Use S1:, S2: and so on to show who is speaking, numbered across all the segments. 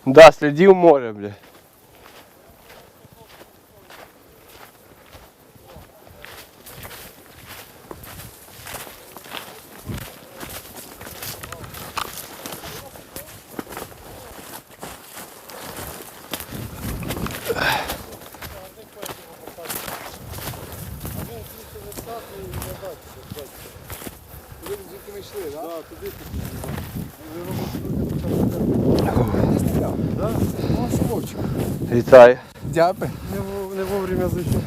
S1: Да, слідів море, бля. Вітаю.
S2: Дяпи.
S3: Не вовремя зайшов.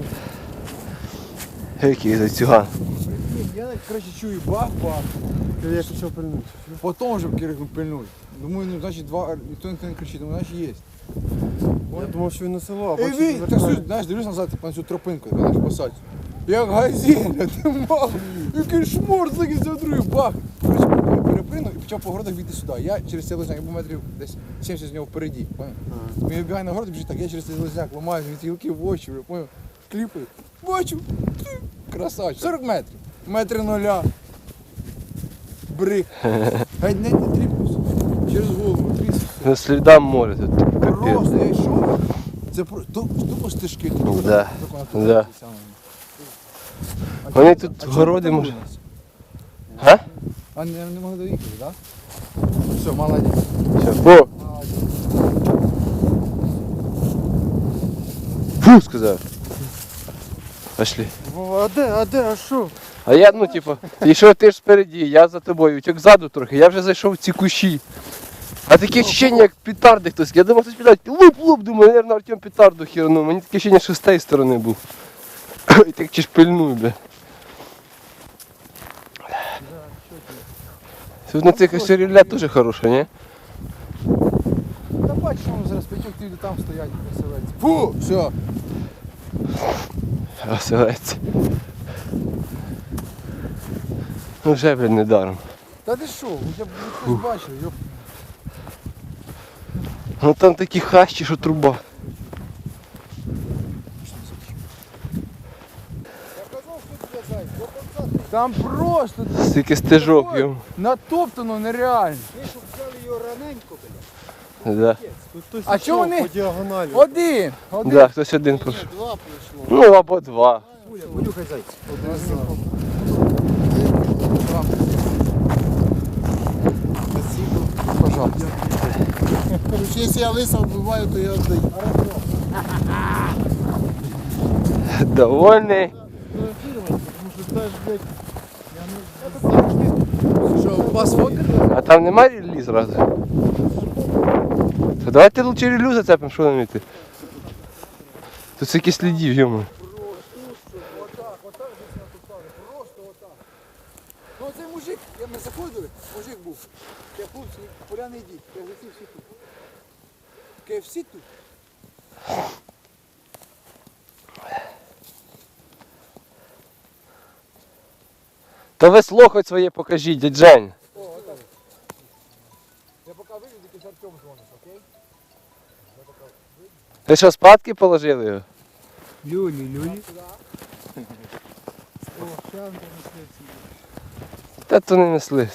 S1: Який зайцюган.
S2: Я, коротше, чую бах-бах.
S3: Я почав пильнути.
S2: Потім вже кирикнув пильнуть. Думаю, ну, значить, ніхто не кричить, думаю, значить, є.
S3: Я думав, що він на село, а
S2: Ей,
S3: бачу,
S2: ви, так суть, знаєш, дивлюсь назад, типу, на цю тропинку, яка наша посадь. Як газеля, ти мав, який шмор, закинься в другий, бах. Коротше, перепринув і почав по городах бігти сюди. Я через цей лозняк, я був метрів десь 70 з нього впереді, поняв? Він вибігає на город і біжить так, я через цей лозняк ламаю, від гілки в очі, поняв? Кліпаю, бачу, красавчик, 40 метрів, метри нуля. Брик. Геть не тріпнувся, через голову, трісся.
S1: На слідам моря тут.
S2: Просто я йшов, це тупо стежки. Тут
S1: Да,
S2: тут
S1: да.
S2: ці самі.
S1: Вони тут
S2: А чому
S1: городи
S2: там
S1: може.
S2: у нас?
S1: Га?
S2: А не могли доїхати, так? Все, молодець.
S1: Все. О, фу, сказав. Пошли.
S3: Вова, а де, а що?
S1: А я, ну, типу, йшов ти ж спереді, я за тобою, утік ззаду трохи, я вже зайшов в ці кущі. А таке ощущення, як петарди хтось. Я думав, хтось підуть, луп-луп, думаю, наверное, Артем петарду хернув. Мені таке ощущення, що з тієї сторони був. І так чи ж пильнуй, бля. Тут на цих осерілля теж хороше, ні?
S2: Та бачиш, воно зараз п'ятьох люди там стоять, веселяться. Фу, все.
S1: Оселець. Ну вже, блядь, недаром.
S2: Та ти що, я б хтось бачив, йоп.
S1: Ну там такі хащі, що труба.
S2: Там просто
S1: Стільки стежок йому.
S2: натоптано нереально.
S1: Да.
S3: Тут хтось
S2: А
S3: йшов
S2: чого вони?
S3: по діагоналі.
S2: Один.
S1: Да, хтось один пройшов.
S3: Два прийшло.
S1: Ну або два.
S2: Понюхай зайця. Пожалуйста.
S3: Короче, якщо я лиса вбиваю, то я віддаю.
S1: Довольний.
S2: Що, у вас фотки?
S1: А там немає релі зразу? То давайте лучше релю зацепимо, що нам йти. Тут стільки слідів, йому.
S2: Ну цей мужик, ми заходили, мужик був. Я хлопці, поля не йдіть, я всі тут. KFC тут.
S1: Та весло хоч своє покажіть, дядь Жень.
S2: О, отак. Я поки вийду, тільки Артем дзвонить, окей?
S1: Ви що, спадки положили його?
S2: Люлі.
S1: Та то не мисливці.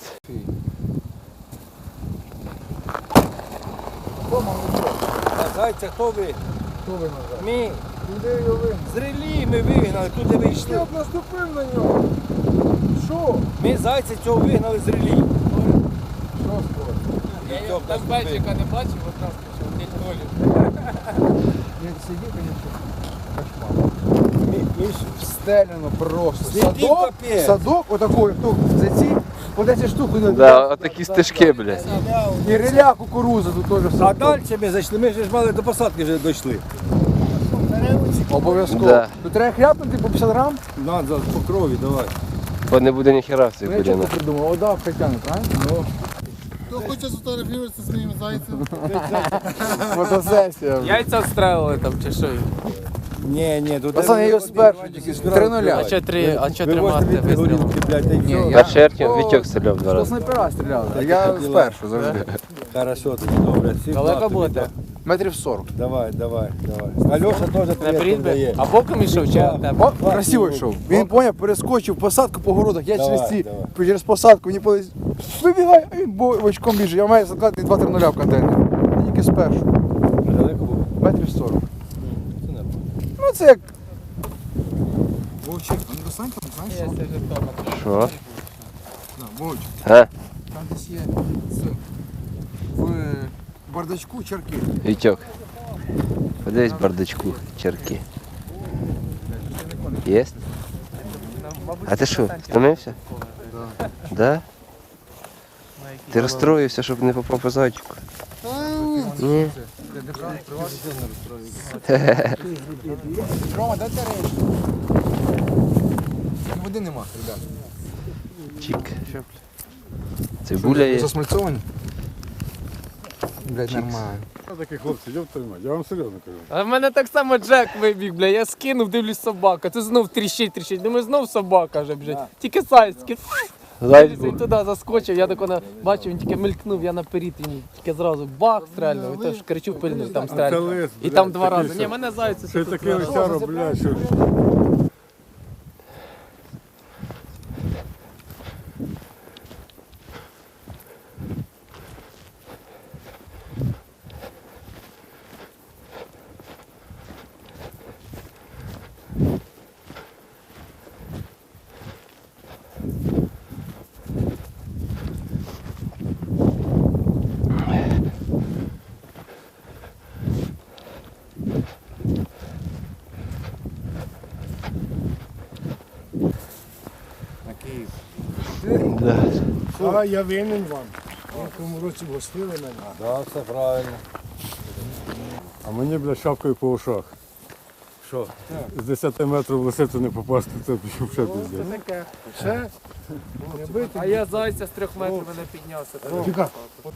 S4: Зайця хто ви?
S2: Хто ви назад?
S4: Ми.
S2: Куди його ви?
S4: З релі ми вигнали, куди ви
S2: Я
S4: йшли?
S2: б наступив на нього. Що?
S4: Ми зайця цього вигнали з релі.
S2: Що скоро?
S4: Там бачика
S5: не бачив, одразу почав день долю.
S2: Я сидів, конечно, кошмар. Ми ж встелено просто.
S4: Слідів капець.
S2: Садок отакий, тут за ці, по 10 штук.
S1: Да, отакі стежки, блядь.
S2: І реля кукуруза тут теж
S4: А
S2: садок.
S4: далі ми зайшли, ми ж мали до посадки вже дійшли.
S2: Обов'язково.
S1: Да.
S2: Тут треба хляпнути по 50 грам.
S4: Надо по крові, давай.
S1: Бо не буде ніхера в цих
S2: Ну я чого
S1: бурянах.
S2: придумав? Вода в Тетяну, правильно?
S3: Хто хоче сфотографуватися зі своїм зайцем?
S2: Фотосесія.
S5: Яйця встрелили там чи що?
S4: Ні, тут...
S2: Пацани, я його спершу тільки 3-0.
S5: А що тримати вистрілом?
S4: блядь,
S2: Ні,
S1: Перший Артем Вітьок стріляв два
S2: Хто
S1: рази.
S2: снайпера стріляли? Я спершу завжди.
S4: Хорошо, тоді добре. Всім
S5: Далеко
S4: тобі,
S5: будете?
S4: так.
S2: Метрів 40.
S4: Давай. Альоша теж
S5: На
S4: привіт
S5: брід би?
S4: дає.
S5: А боком йшов чи
S4: Да.
S5: тебе?
S2: О, красиво йшов. Він поняв, перескочив посадку по городах. Я
S4: Давай,
S2: через ці,
S4: давай.
S2: через посадку, мені повезло. Вибігай, а він бочком біжить. Я маю закладати 2-3 нуля в контейнер. Я тільки з першого.
S4: Далеко було?
S2: Метрів 40.
S4: Це нормально.
S2: Ну це як. Вовчик, не достань там, знаєш
S5: Є,
S2: що?
S5: це вже Тома.
S1: Що?
S2: На, Вовчик,
S1: А?
S2: там десь є в бардачку чарки.
S1: Вітьок. Подивись в бардачку, черки. Є? А ти що, втомився?
S2: Да.
S1: Да? Ти розстроївся, щоб не попав по зайчику? Ні.
S2: Рома, дай ти речі. Води нема, ребят.
S1: Чик. Цибуля є.
S2: Засмальцовані? Блядь, нормально.
S6: Такі хлопці, йоп твою мать, я вам серйозно кажу.
S5: А в мене так само Джек вибіг, бля. Я скинув, дивлюсь собака. Це знов тріщить. Думаю, знов собака вже, блядь. Тільки сайський.
S1: Зайць
S5: Він
S1: був.
S5: туди заскочив, я тако бачив, він тільки мелькнув, я наперед, він тільки зразу бах стрельнув, і теж кричу пильнув, там
S6: Це
S5: стрельнув.
S6: лис,
S5: І
S6: блядь,
S5: там 2
S6: такий,
S5: рази. Ні,
S6: що-
S5: мене зайці
S6: Ще й
S5: тут
S6: такий
S5: зараз.
S6: лисяро, блядь, що...
S1: Да.
S3: А я винен вам. В тому році гостили мене.
S4: Да, все правильно.
S6: А мені, блядь, шапкою по ушах.
S4: Що?
S6: З 10 метрів в лисицю не попасти, це пішов ще пиздець.
S3: Таке. Ще? Не бити.
S5: А я зайця з 3 метрів мене піднявся.
S3: Чекай.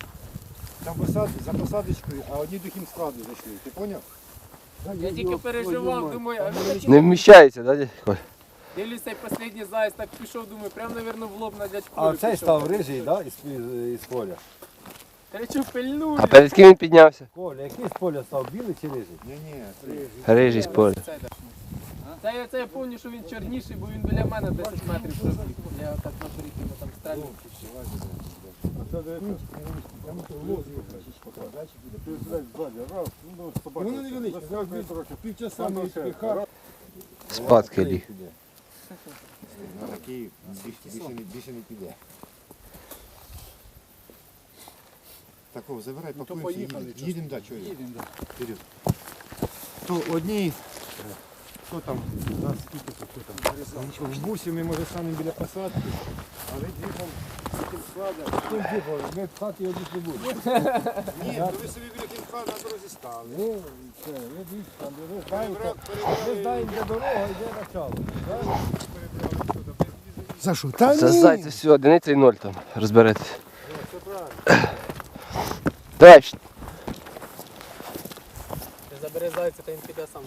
S3: За посадочкою, а одні до хімскладу зайшли. Ти поняв?
S5: Я тільки переживав, думаю, а
S1: Не вміщається, да, дядь Коль?
S5: дивлюсь, цей останній заяць так пішов, думаю, прям, навірно, в лоб на дядьку.
S4: А цей став рижий, да, із поля?
S5: Кричу, пильную.
S1: А перед ким він піднявся?
S4: Коля, який з поля став, білий чи рижий?
S1: Рижий з поля.
S5: Це я пам'ятаю, що він чорніший, бо він біля мене 10 метрів пробіг. Я так наперед йому там стрельнув.
S6: А це дивиться. Ти, блядь, ззаді, раз, ну, собака.
S3: Воно невеличке,
S6: Засвякує трохи.
S3: Півчаса
S6: Там
S3: ми
S6: ще.
S3: піхав.
S1: Спадки ліг.
S7: На такий більше не піде. Такого забирай, пакуємося,
S3: поїхали,
S7: їдемо, да, чого
S3: Їдемо, да.
S7: Вперед. То одні, що там, нас скільки то, що там,
S3: В бусі ми, може, станемо біля посадки, а ви двігом склада. Хто двігом? Ми в хаті одних не будемо.
S7: ні, то ви собі біля кінфа на дорозі стали.
S3: Ну, все, ви дивіться, там, ви знаєте.
S4: Ми знаємо, де дорога, йде начало.
S3: За що? Та
S1: За зайця все, одиниця і 0 там, розберетесь. Давай,
S5: Ти забери зайця, та він піде сам.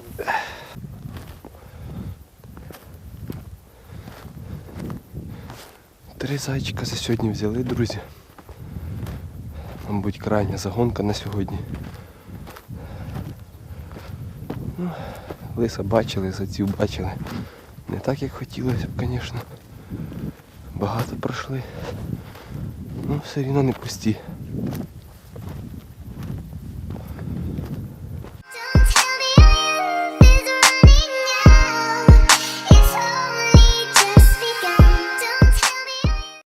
S1: Три зайчика за сьогодні взяли, друзі. Мабуть, крайня загонка на сьогодні. Ну, лиса бачили, зайців бачили. Не так, як хотілося б, звісно. Багато пройшли. Ну, все рівно не пусті.